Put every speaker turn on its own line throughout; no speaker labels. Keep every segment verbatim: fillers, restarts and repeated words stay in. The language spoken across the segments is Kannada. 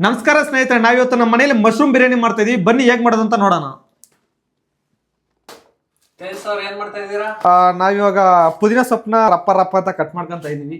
ನಮಸ್ಕಾರ ಸ್ನೇಹಿತರೆ, ನಾವಿವತ್ತು ನಮ್ಮ ಮನೆಯಲ್ಲಿ ಮಶ್ರೂಮ್ ಬಿರಿಯಾನಿ ಮಾಡ್ತಾ ಇದೀವಿ. ಬನ್ನಿ ಹೇಗ್ ಮಾಡೋದು ಅಂತ ನೋಡೋಣ.
ಏನ್ ಮಾಡ್ತಾ ಇದ್ದೀರಾ?
ನಾವಿವಾಗ ಪುದೀನ ಸೊಪ್ಪನ್ನ ರಪ್ಪ ರಪ್ಪ ಅಂತ ಕಟ್ ಮಾಡ್ಕೊಂತ ಇದೀವಿ.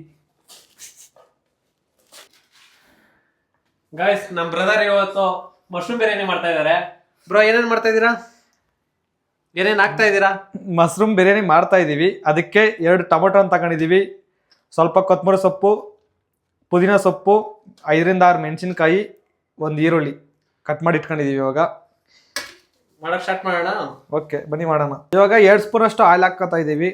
ಗೈಸ್, ನಮ್ ಬ್ರದರ್ ಇವತ್ತು ಮಶ್ರೂಮ್ ಬಿರಿಯಾನಿ ಮಾಡ್ತಾ ಇದಾರೆ. ಬ್ರೋ, ಏನೇನ್ ಮಾಡ್ತಾ ಇದ್ದೀರಾ? ಏನೇನ್ ಹಾಕ್ತಾ ಇದ್ದೀರಾ?
ಮಶ್ರೂಮ್ ಬಿರಿಯಾನಿ ಮಾಡ್ತಾ ಇದೀವಿ. ಅದಕ್ಕೆ ಎರಡು ಟೊಮೊಟೊ ತಗೊಂಡಿದೀವಿ, ಸ್ವಲ್ಪ ಕೊತ್ತಂಬರಿ ಸೊಪ್ಪು, ಪುದೀನ ಸೊಪ್ಪು, ಐದರಿಂದ ಆರು ಮೆಣಸಿನ್ಕಾಯಿ, ಒಂದು ಈರುಳ್ಳಿ ಕಟ್ ಮಾಡಿ ಇಟ್ಕೊಂಡಿದೀವಿ. ಇವಾಗ
ಮಾಡಕ್ ಸ್ಟಾರ್ಟ್ ಮಾಡೋಣ.
ಓಕೆ, ಬನ್ನಿ ಮಾಡೋಣ. ಇವಾಗ ಎರಡು ಸ್ಪೂನ್ ಅಷ್ಟು ಆಯಿಲ್ ಹಾಕ್ತಾ ಇದೀವಿ.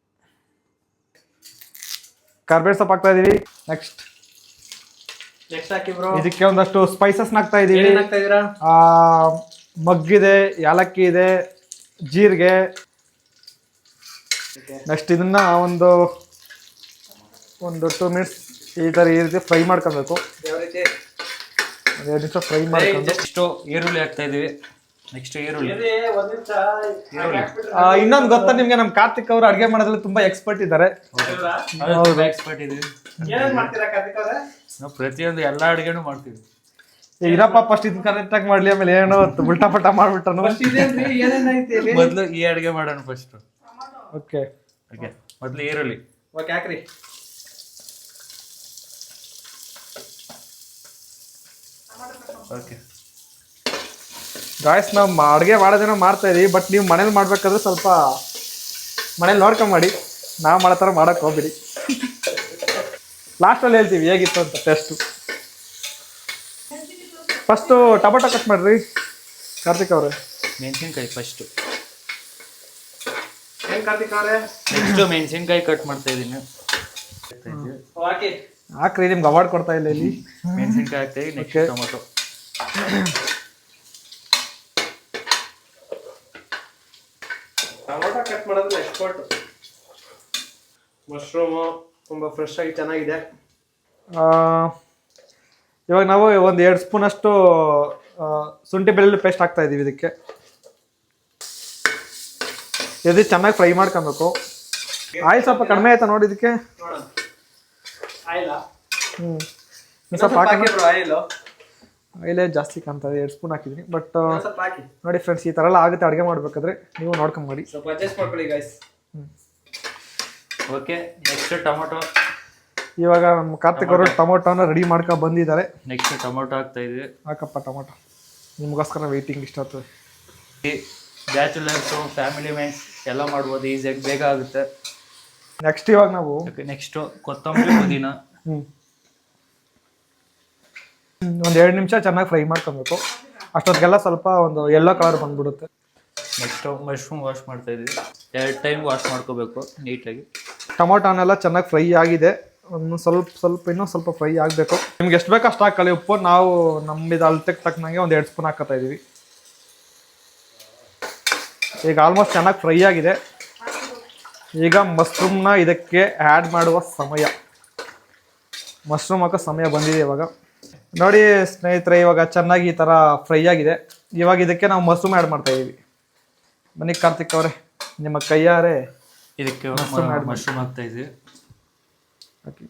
ಕರ್ಬೇವು ಸೊಪ್ಪು ಹಾಕ್ತಾ ಇದೀವಿ. ನೆಕ್ಸ್ಟ್
ನೆಕ್ಸ್ಟ್ ಹಾಕಿ ಬ್ರೋ.
ಇದಕ್ಕೆ ಒಂದಷ್ಟು ಸ್ಪೈಸಸ್ ಹಾಕ್ತಾ ಇದೀವಿ.
ಏನೇನ್ ಹಾಕ್ತಾ ಇದ್ದೀರಾ?
ಆ ಮಗ್ಗಿದೆ, ಯಾಲಕ್ಕಿ ಇದೆ, ಜೀರಿಗೆ. ನೆಕ್ಸ್ಟ್ ಇದನ್ನ ಒಂದು ಒಂದು ಟೂ ಮಿನಿಟ್ಸ್ ಈ ತರ ಈ ರೀತಿ ಫ್ರೈ ಮಾಡ್ಕೊಬೇಕು.
ಯಾವ ರೀತಿ?
ಎರಡು ನಿಮಿಷ ಫ್ರೈ ಮಾಡ್ಕೊಂಡು
ನೆಕ್ಸ್ಟ್ ಈರುಳ್ಳಿ ಹಾಕ್ತಾ ಇದೀವಿ. ನೆಕ್ಸ್ಟ್ ಈರುಳ್ಳಿ
ಇನ್ನೊಂದು ಗೊತ್ತಾ ನಿಮ್ಗೆ, ನಮ್ ಕಾರ್ತಿಕ್ ಅವರು ಅಡ್ಗೆ ಮಾಡೋದ್ರಲ್ಲಿ ತುಂಬಾ ಎಕ್ಸ್ಪರ್ಟ್ ಇದ್ದಾರೆ.
ಎಕ್ಸ್ಪರ್ಟ್ ಇದೀವಿ. ನಾವು ಪ್ರತಿಯೊಂದು ಎಲ್ಲಾ ಅಡುಗೆನೂ ಮಾಡ್ತೀವಿ.
ಇರಪ್ಪ ಫಸ್ಟ್ ಇದನ್ನ ಕರೆಕ್ಟ್ ಆಗಿ ಮಾಡ್ಲಿ, ಆಮೇಲೆ ಏನೋ ಉಲ್ಟಾ ಪಲ್ಟಾ ಮಾಡ್ಬಿಟ್ಟನು.
ಮೊದ್ಲು ಈ ಅಡುಗೆ ಮಾಡೋಣ ಫಸ್ಟ್.
ಓಕೆ
ಓಕೆ, ಮೊದ್ಲು ಈರುಳ್ಳಿ ಓಕೆ ಹಾಕ್ರಿ. ಓಕೆ
ಗಾಯ್ಸ್, ನಾವು ಅಡುಗೆ ಮಾಡೋದೇನೋ ಮಾಡ್ತಾ ಇದೀವಿ, ಬಟ್ ನೀವು ಮನೇಲಿ ಮಾಡ್ಬೇಕಾದ್ರೆ ಸ್ವಲ್ಪ ಮನೇಲಿ ನೋಡ್ಕೊಂಡ್ ಮಾಡಿ. ನಾವು ಮಾಡೋ ಥರ ಮಾಡಕ್ ಹೋಗ್ಬಿಡಿ. ಲಾಸ್ಟಲ್ಲಿ ಹೇಳ್ತೀವಿ ಹೇಗಿತ್ತು ಅಂತ ಟೆಸ್ಟು. ಫಸ್ಟು ಟೊಮೊಟೊ ಕಟ್ ಮಾಡ್ರಿ ಕಾರ್ತಿಕ್ ಅವ್ರೆ.
ಮೆಣಸಿನ್ಕಾಯಿ ಫಸ್ಟು.
ಏನ್ ಕಾರ್ತಿಕ್ ಅವ್ರೆ?
ನೆಕ್ಸ್ಟ್ ಮೆಣಸಿನ್ಕಾಯಿ ಕಟ್ ಮಾಡ್ತಾ ಇದೀನಿ.
ಹಾಕ್ರಿ, ನಿಮ್ಗೆ ಅವಾರ್ಡ್ ಕೊಡ್ತಾ ಇಲ್ಲ ಇಲ್ಲಿ.
ಮೆಣಸಿನ್ಕಾಯಿ ಹಾಕ್ತೀವಿ. Next tomato. ಟೊಮೊಟೊ ಕಟ್ ಮಾಡೋದು ಎಕ್ಸ್ಪರ್ಟ್. ಮಶ್ರೂಮು ತುಂಬಾ ಫ್ರೆಶ್ ಆಗಿ ಚೆನ್ನಾಗಿದೆ.
ಇವಾಗ ನಾವು ಒಂದು ಎರಡು ಸ್ಪೂನ್ ಅಷ್ಟು ಶುಂಠಿ ಬೆಳ್ಳುಳ್ಳಿ ಪೇಸ್ಟ್ ಹಾಕ್ತಾ ಇದೀವಿ. ಇದಕ್ಕೆ ಇದು ಚೆನ್ನಾಗಿ ಫ್ರೈ ಮಾಡ್ಕೊಬೇಕು. ಆಯಿಲ್ ಸ್ವಲ್ಪ ಕಡಿಮೆ ಆಯ್ತಾ ನೋಡಿ ಇದಕ್ಕೆ. ಹ್ಮ್ ಸ್ವಲ್ಪ
ಆಯಿಲ್
ಆಯಿಲೇ ಜಾಸ್ತಿ ಕಾಣ್ತದೆ. ಎರಡು ಸ್ಪೂನ್ ಹಾಕಿದ್ದೀನಿ. ಬಟ್ ನೋಡಿ ಫ್ರೆಂಡ್ಸ್, ಈ ಥರ ಎಲ್ಲ ಆಗುತ್ತೆ ಅಡುಗೆ ಮಾಡ್ಬೇಕಾದ್ರೆ, ನೀವು ನೋಡ್ಕೊಂಡ್ ಮಾಡಿ.
ಸ್ವಲ್ಪ ಅಡ್ಜಸ್ಟ್ ಮಾಡ್ಕೊಳ್ಳಿ ಗೈಸ್. Okay, next tomato.
ಇವಾಗ ನಮ್ಮ ಕಾರ್ತಿಕ್ ಅವರು ಟೊಮೊಟೊನ ರೆಡಿ ಮಾಡ್ಕೊಂಡು ಬಂದಿದ್ದಾರೆ.
ನೆಕ್ಸ್ಟ್ ಟೊಮೊಟೊ ಹಾಕ್ತಾ ಇದೀವಿ.
ಹಾಕಪ್ಪ ಟೊಮೊಟೊ, ನಿಮಗೋಸ್ಕರ ವೆಯ್ಟಿಂಗ್ ಇಷ್ಟ ಆಗ್ತದೆ.
ಬ್ಯಾಚುಲರ್ಸು, ಫ್ಯಾಮಿಲಿ ಮೆನ್ಸ್ ಎಲ್ಲ ಮಾಡ್ಬೋದು, ಈಸಿಯಾಗಿ ಬೇಗ ಆಗುತ್ತೆ.
ನೆಕ್ಸ್ಟ್ ಇವಾಗ ನಾವು
ನೆಕ್ಸ್ಟ್ ಕೊತ್ತಂಬರಿ, ಪುದೀನ.
ಹ್ಞೂ ಒಂದು ಎರಡು ನಿಮಿಷ ಚೆನ್ನಾಗಿ ಫ್ರೈ ಮಾಡ್ಕೊಬೇಕು. ಅಷ್ಟೊತ್ತಿಗೆಲ್ಲ ಸ್ವಲ್ಪ ಒಂದು ಯೆಲ್ಲೋ ಕಲರ್ ಬಂದ್ಬಿಡುತ್ತೆ.
ನೆಕ್ಸ್ಟ್ ಮಶ್ರೂಮ್ ವಾಶ್ ಮಾಡ್ತಾ ಇದೀವಿ. ಎರಡು ಟೈಮ್ ವಾಶ್ ಮಾಡ್ಕೋಬೇಕು ನೀಟಾಗಿ.
ಟೊಮೊಟೊನೆಲ್ಲ ಚೆನ್ನಾಗಿ ಫ್ರೈ ಆಗಿದೆ. ಒಂದು ಸ್ವಲ್ಪ ಸ್ವಲ್ಪ ಇನ್ನೂ ಸ್ವಲ್ಪ ಫ್ರೈ ಆಗಬೇಕು. ನಿಮ್ಗೆ ಎಷ್ಟು ಬೇಕು ಅಷ್ಟು ಹಾಕೊಳ್ಳಿ ಉಪ್ಪು. ನಾವು ನಮ್ಮಿದು ಅಳತೆಗೆ ತಕ್ಕನಂಗೆ ಒಂದು ಎರಡು ಸ್ಪೂನ್ ಹಾಕೋತಾ ಇದೀವಿ. ಈಗ ಆಲ್ಮೋಸ್ಟ್ ಚೆನ್ನಾಗಿ ಫ್ರೈ ಆಗಿದೆ. ಈಗ ಮಶ್ರೂಮ್ನ ಇದಕ್ಕೆ ಆ್ಯಡ್ ಮಾಡುವ ಸಮಯ. ಮಶ್ರೂಮ್ ಹಾಕೋ ಸಮಯ ಬಂದಿದೆ ಇವಾಗ. ನೋಡಿ ಸ್ನೇಹಿತರೆ, ಇವಾಗ ಚೆನ್ನಾಗಿ ಈ ಥರ ಫ್ರೈ ಆಗಿದೆ. ಇವಾಗ ಇದಕ್ಕೆ ನಾವು ಮಶ್ರೂಮ್ ಆ್ಯಡ್ ಮಾಡ್ತಾ ಇದೀವಿ. ಬನ್ನಿ ಕಾರ್ತಿಕ್ ಅವರೇ, ನಿಮ್ಮ ಕೈಯಾರೆ
ಇದಕ್ಕೆ ಮಶ್ರೂಮ್ ಹಾಕ್ತಾ ಇದೀವಿ.
ಓಕೆ,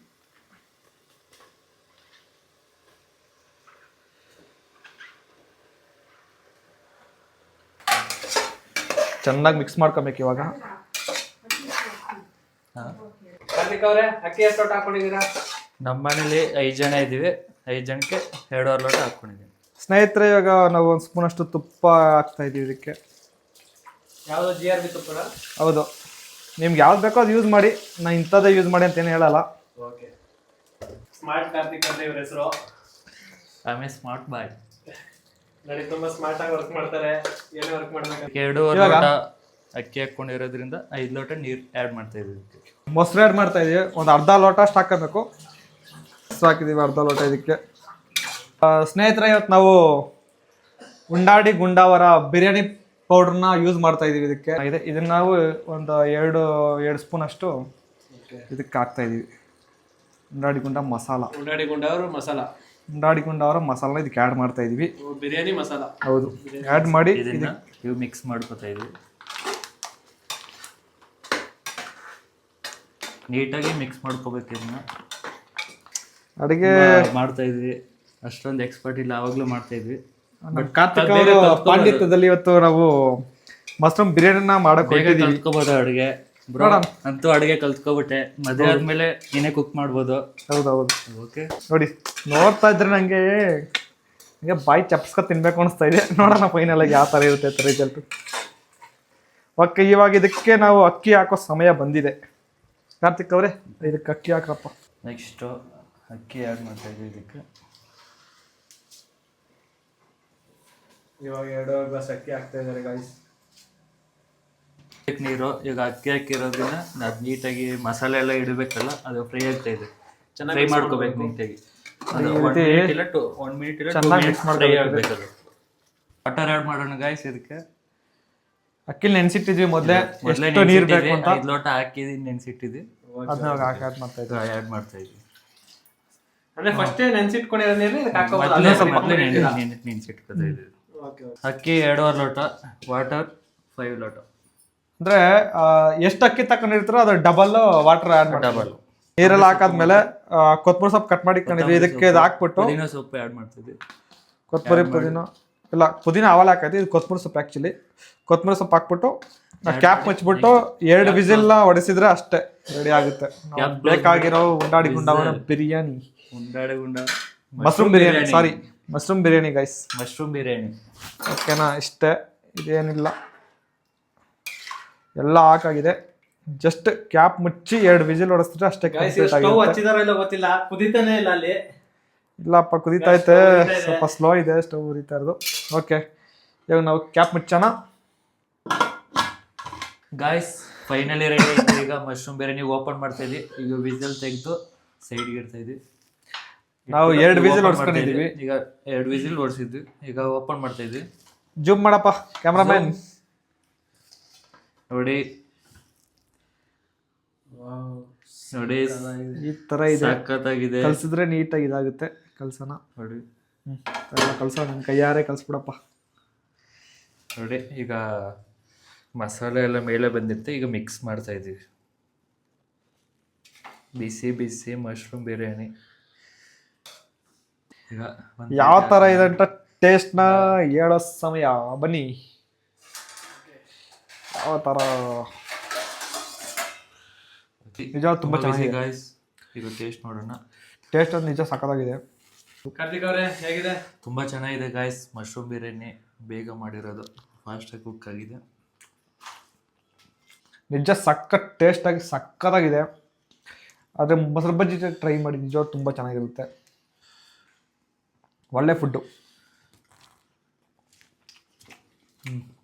ಚೆನ್ನಾಗಿ ಮಿಕ್ಸ್ ಮಾಡ್ಕೊಬೇಕು ಇವಾಗ.
ಕಾರ್ತಿಕ್ ಅವರೇ, ಅಕ್ಕಿ ಎಷ್ಟು ಲೋಟ ಹಾಕೊಂಡಿದ್ದೀರಾ? ನಮ್ಮ ಮನೇಲಿ ಐದು ಜನ ಇದ್ದೀವಿ. ಐದು ಜನಕ್ಕೆ ಎರಡೂವರೆ ಲೋಟ ಹಾಕ್ಕೊಂಡಿದ್ದೀನಿ.
ಸ್ನೇಹಿತರೆ, ಇವಾಗ ನಾವು ಒಂದು ಸ್ಪೂನ್ ಅಷ್ಟು ತುಪ್ಪ ಹಾಕ್ತಾ ಇದೀವಿ ಇದಕ್ಕೆ.
ಯಾವುದು? ಜಿ ಆರ್ ಬಿ ತುಪ್ಪನ?
ಹೌದು, ನಿಮ್ಗೆ ಯಾವ್ದು ಬೇಕೋ ಅದು ಯೂಸ್ ಮಾಡಿ. ನಾನು ಇಂಥದ್ದೇ ಯೂಸ್ ಮಾಡಿ ಅಂತ ಏನು ಹೇಳಲ್ಲ.
ಓಕೆ, ಸ್ಮಾರ್ಟ್ ಕಾರ್ತಿಕ್ ಅಂತ ಇವ್ರ ಹೆಸರು. ಆಮೇಲೆ ಸ್ಮಾರ್ಟ್ ಬಾಯ್ ನೋಡಿ, ತುಂಬಾ ಸ್ಮಾರ್ಟ್ ಆಗಿ ವರ್ಕ್ ಮಾಡ್ತಾರೆ. ಏನೇ ವರ್ಕ್ ಮಾಡ್ಬೇಕು. ಎರಡೂವರೆ ಲೋಟ ಅಕ್ಕಿ ಹಾಕೊಂಡಿರೋದ್ರಿಂದ ಐದು ಲೋಟ ನೀರು ಆ್ಯಡ್ ಮಾಡ್ತಾ ಇದೀವಿ.
ಮೊಸರು ಆ್ಯಡ್ ಮಾಡ್ತಾ ಇದೀವಿ. ಒಂದು ಅರ್ಧ ಲೋಟ ಅಷ್ಟು ಹಾಕಬೇಕು. ಮೊಸರು ಹಾಕಿದೀವಿ ಅರ್ಧ ಲೋಟ ಇದಕ್ಕೆ. ಸ್ನೇಹಿತರೆ, ಇವತ್ತು ನಾವು ಉಂಡಾಡಿ ಗುಂಡಾವರ ಬಿರಿಯಾನಿ ಪೌಡ್ರನ್ನ ಯೂಸ್ ಮಾಡ್ತಾ ಇದೀವಿ ಇದಕ್ಕೆ. ಇದೆ ಇದನ್ನ ನಾವು ಒಂದು ಎರಡು ಎರಡು ಸ್ಪೂನ್ ಅಷ್ಟು ಇದಕ್ಕೆ ಹಾಕ್ತಾ ಇದೀವಿ. ಉಂಡಾಡಿ ಗುಂಡ ಮಸಾಲ.
ಉಂಡಾಡಿ ಗುಂಡಾವರ ಮಸಾಲ.
ಉಂಡಾಡಿ ಗುಂಡಾವರ ಮಸಾಲ ಇದಕ್ಕೆ ಆ್ಯಡ್ ಮಾಡ್ತಾ ಇದೀವಿ.
ಬಿರಿಯಾನಿ ಮಸಾಲ.
ಹೌದು, ಆ್ಯಡ್ ಮಾಡಿ
ಇದನ್ನ ಇವು ಮಿಕ್ಸ್ ಮಾಡ್ಕೊತಾ ಇದೀವಿ. ನೀಟಾಗಿ ಮಿಕ್ಸ್ ಮಾಡ್ಕೋಬೇಕು. ಇದನ್ನ
ಅಡುಗೆ
ಮಾಡ್ತಾ ಇದ್ವಿ. ಅಷ್ಟೊಂದು ಎಕ್ಸ್ಪರ್ಟ್ ಇಲ್ಲ, ಆವಾಗಲೂ ಮಾಡ್ತಾ ಇದ್ವಿ.
ಬಟ್ ಕಾರ್ತಿಕ್ ಅವರು ಪಾಂಡಿತ್ಯದಲ್ಲಿ ಇವತ್ತು ನಾವು ಮಶ್ರೂಮ್ ಬಿರಿಯಾನಿನ ಮಾಡಕ್
ಬೇಗ
ಹೋಗ್ತಿದೀವಿ.
ಕಲ್ತ್ಕೋಬೋದು ಅಡುಗೆ ಬ್ರೋ. ಅಂತೂ ಅಡುಗೆ ಕಲ್ತ್ಕೊಬಿಟ್ಟೆ, ಮದುವೆ ಆದ್ಮೇಲೆ ನೀನೇ ಕುಕ್ ಮಾಡ್ಬೋದು.
ಹೌದೌದು.
ಓಕೆ
ನೋಡಿ ನೋಡ್ತಾ ಇದ್ರೆ ನಂಗೆ ಹಂಗೆ ಬಾಯಿ ಚಪ್ಸ್ಕೊ ತಿನ್ಬೇಕು ಅನಿಸ್ತಾ ಇದೆ. ನೋಡೋಣ ಫೈನಲ್ ಆಗಿ ಯಾವ ಥರ ಇರುತ್ತೆ ಅಂತ ರಿಸಲ್ಟ್. ಓಕೆ, ಇವಾಗ ಇದಕ್ಕೆ ನಾವು ಅಕ್ಕಿ ಹಾಕೋ ಸಮಯ ಬಂದಿದೆ. ಕಾರ್ತಿಕ್ ಅವರೇ ಇದಕ್ಕೆ ಅಕ್ಕಿ ಹಾಕ್ರಪ್ಪ.
ನೆಕ್ಸ್ಟು ಅಕ್ಕಿ ಆ್ಯಡ್ ಮಾಡ್ತಾ ಇದ್ದೀವಿ ಇದಕ್ಕೆ.
ಇವಾಗ ಎರಡು ಗ್ಲಾಸ್ ಅಕ್ಕಿ ಹಾಕ್ತಾ ಇದ್ದಾರೆ ಗಾಯ್ಸ್.
ನೀರು ಈಗ ಅಕ್ಕಿ ಹಾಕಿರೋದ್ರಿಂದ ಅದು ನೀಟಾಗಿ ಮಸಾಲೆ ಎಲ್ಲ ಇಡಬೇಕಲ್ಲ, ಅದು ಫ್ರೈ ಆಗ್ತಾ ಇದೆ. ಫ್ರೈ ಮಾಡ್ಕೋಬೇಕು ನೀಟಾಗಿ. ಅದು ಒನ್ ಮಿನಿಟ್ ಇಲ್ಲ ಟು ಒನ್ ಮಿನಿಟ್ ಇಲ್ಲ ಟು ಮಿನಿಟ್ಸ್ ಫ್ರೈ ಆಗಬೇಕು. ಅದು ವಾಟರ್ ಆ್ಯಡ್ ಮಾಡೋಣ ಗಾಯ್ಸ್. ಇದಕ್ಕೆ
ಅಕ್ಕಿ ನೆನ್ಸಿಟ್ಟಿದ್ವಿ ಮೊದಲೇ, ಎಷ್ಟು ನೀರು ಬೇಕು ಅಂತ.
ಐದು ಲೋಟ ಹಾಕಿದ್ದು ನೆನ್ಸಿಟ್ಟಿದ್ವಿ,
ಅದನ್ನ ಆ್ಯಡ್ ಮಾಡ್ತಾ ಇದ್ವಿ
ಆ್ಯಡ್ ಮಾಡ್ತಾ ಇದ್ವಿ.
ಅಂದ್ರೆ ಫಸ್ಟ್ ನೆನ್ಸಿಟ್ಕೊಂಡಿರೋ ನೀರು ಇದಕ್ಕೆ ಹಾಕೋಬಹುದು.
ಮೊದಲೇ ಮೊದಲೇ ನೆನ್ಸಿಟ್ಕೊತಾ ಇದ್ವಿ. ಅಕ್ಕಿ ಎರಡೂವರೆ ಲೋಟ, ವಾಟರ್ ಫೈವ್ ಲೋಟ.
ಅಂದ್ರೆ ಎಷ್ಟು ಅಕ್ಕಿ ತಕೊಂಡಿರ್ತಾರೋ ಅದ್ರ ಡಬಲ್ ವಾಟರ್ ಆ್ಯಡ್ ಮಾಡಿ.
ಡಬಲ್
ನೀರೆಲ್ಲ ಹಾಕಾದ್ಮೇಲೆ ಕೊತ್ತಂಬರಿ ಸೊಪ್ಪು ಕಟ್ ಮಾಡಿ ಇಟ್ಕೊಂಡಿದ್ವಿ, ಇದಕ್ಕೆ ಇದು ಹಾಕ್ಬಿಟ್ಟು
ಪುದೀನ ಸೊಪ್ಪು ಆ್ಯಡ್ ಮಾಡ್ತಿದ್ವಿ.
ಕೊತ್ತಂಬರಿ ಪುದೀನ ಇಲ್ಲ ಪುದೀನ ಆವಾಲ ಹಾಕೈತಿ, ಇದು ಕೊತ್ತಂಬರಿ ಸೊಪ್ಪು ಆ್ಯಕ್ಚುಲಿ. ಕೊತ್ತಂಬರಿ ಸೊಪ್ಪು ಹಾಕ್ಬಿಟ್ಟು ಕ್ಯಾಪ್ ಮುಚ್ಚಿಬಿಟ್ಟು ಎರಡು ವಿಸಿಲ್ನ ಹೊಡೆಸಿದ್ರೆ ಅಷ್ಟೇ ರೆಡಿ ಆಗುತ್ತೆ. ಬೇಕಾಗಿರೋ ಉಂಡಾಡಿ ಗುಂಡವರ ಬಿರಿಯಾನಿ,
ಉಂಡಾಡಿ ಗುಂಡ
mushroom biryani, sorry mushroom biryani guys.
Mushroom biryani
ಓಕೆನಾ? ಇಷ್ಟೇ, ಇದೇನಿಲ್ಲ, ಎಲ್ಲ ಹಾಕಾಗಿದೆ. ಜಸ್ಟ್ ಕ್ಯಾಪ್ ಮುಚ್ಚಿ ಎರಡು ವಿಸಿಲ್ ಹೊಡೆಸಿದ್ರೆ ಅಷ್ಟೇ ಕಂಪ್ಲೀಟ್
ಸ್ಟವ್
ಆಗಿದೆ.
ಹಚ್ಚಿದಾರೋ ಇಲ್ಲ ಗೊತ್ತಿಲ್ಲ, ಕುದಿತಾನೆ ಇಲ್ಲ ಅಲ್ಲಿ.
ಇಲ್ಲಪ್ಪ ಕುದೀತೈತೆ, ಸ್ವಲ್ಪ ಸ್ಲೋ ಇದೆ ಸ್ಟವ್ ಉರಿತಾ ಇರೋದು. ಓಕೆ, ಇವಾಗ ನಾವು ಕ್ಯಾಪ್ ಮುಚ್ಚೋಣ
ಗಾಯ್ಸ್. ಫೈನಲಿ ರೆಡಿ ಆಯ್ತು. ಈಗ ಮಶ್ರೂಮ್ ಬಿರಿಯಾನಿ ಓಪನ್ ಮಾಡ್ತಾ ಇದ್ವಿ. ಈಗ ವಿಸಿಲ್ ತೆಗೆದು ಸೈಡ್ಗೆ ಇಡ್ತಾ ಇದ್ವಿ.
ನಾವು ಎರಡು ವಿಸಿಲ್ ಹೊಡ್ಸ್ಕೊಂಡಿದೀವಿ.
ಈಗ ಎರಡು ವಿಸಿಲ್ ಹೊಡ್ಸಿದ್ವಿ, ಈಗ ಓಪನ್ ಮಾಡ್ತಾ ಇದ್ವಿ.
ಜೂಮ್ ಮಾಡಪ್ಪ ಕ್ಯಾಮ್ರಾಮ್ಯಾನ್.
ನೋಡಿ ನೋಡಿ
ಈ ತರ ಇದೆ,
ಸಖತ್ತಾಗಿದೆ.
ಕಲ್ಸಿದ್ರೆ ನೀಟಾಗಿ ಇದಾಗುತ್ತೆ. ಕಲ್ಸೋಣ
ನೋಡಿ,
ಎಲ್ಲ ಕಲ್ಸೋಣ, ನನ್ನ ಕೈಯಾರೆ ಕಲ್ಸ್ಬಿಡಪ್ಪ.
ನೋಡಿ ಈಗ ಮಸಾಲೆ ಎಲ್ಲ ಮೇಲೆ ಬಂದಿರುತ್ತೆ. ಈಗ ಮಿಕ್ಸ್ ಮಾಡ್ತಾ ಇದ್ದೀವಿ. ಬಿಸಿ ಬಿಸಿ ಮಶ್ರೂಮ್ ಬಿರಿಯಾನಿ. ಈಗ
ಯಾವ ತರ ಇದೆ ಅಂತ ಟೇಸ್ಟ್ ನ ಹೇಳೋ ಸಮಯ ಬನ್ನಿ. ಯಾವ ತರ ನಿಜ ತುಂಬಾ ಚೆನ್ನಾಗಿದೆ
ಗಾಯ್ಸ್. ಈಗ ಟೇಸ್ಟ್ ನೋಡೋಣ.
ಟೇಸ್ಟ್ ಅದು ನಿಜ ಸಖತ್ತಾಗಿದೆ.
ಕಾರ್ತಿಕ್ ಅವರೇ ಹೇಗಿದೆ?
ತುಂಬಾ ಚೆನ್ನಾಗಿದೆ ಗಾಯ್ಸ್. ಮಶ್ರೂಮ್ ಬಿರಿಯಾನಿ ಬೇಗ ಮಾಡಿರೋದು, ಫಾಸ್ಟಾಗಿ ಕುಕ್ ಆಗಿದೆ.
ನಿಜ ಸಖತ್ ಟೇಸ್ಟ್ ಆಗಿ ಸಖತ್ತಾಗಿದೆ. ಆದರೆ ಮೊಸರು ಬಜ್ಜಿ ಟ್ರೈ ಮಾಡಿ, ನಿಜ ತುಂಬ ಚೆನ್ನಾಗಿರುತ್ತೆ. ಒಳ್ಳೆ ಫುಡ್ಡು.
ಹ್ಞೂ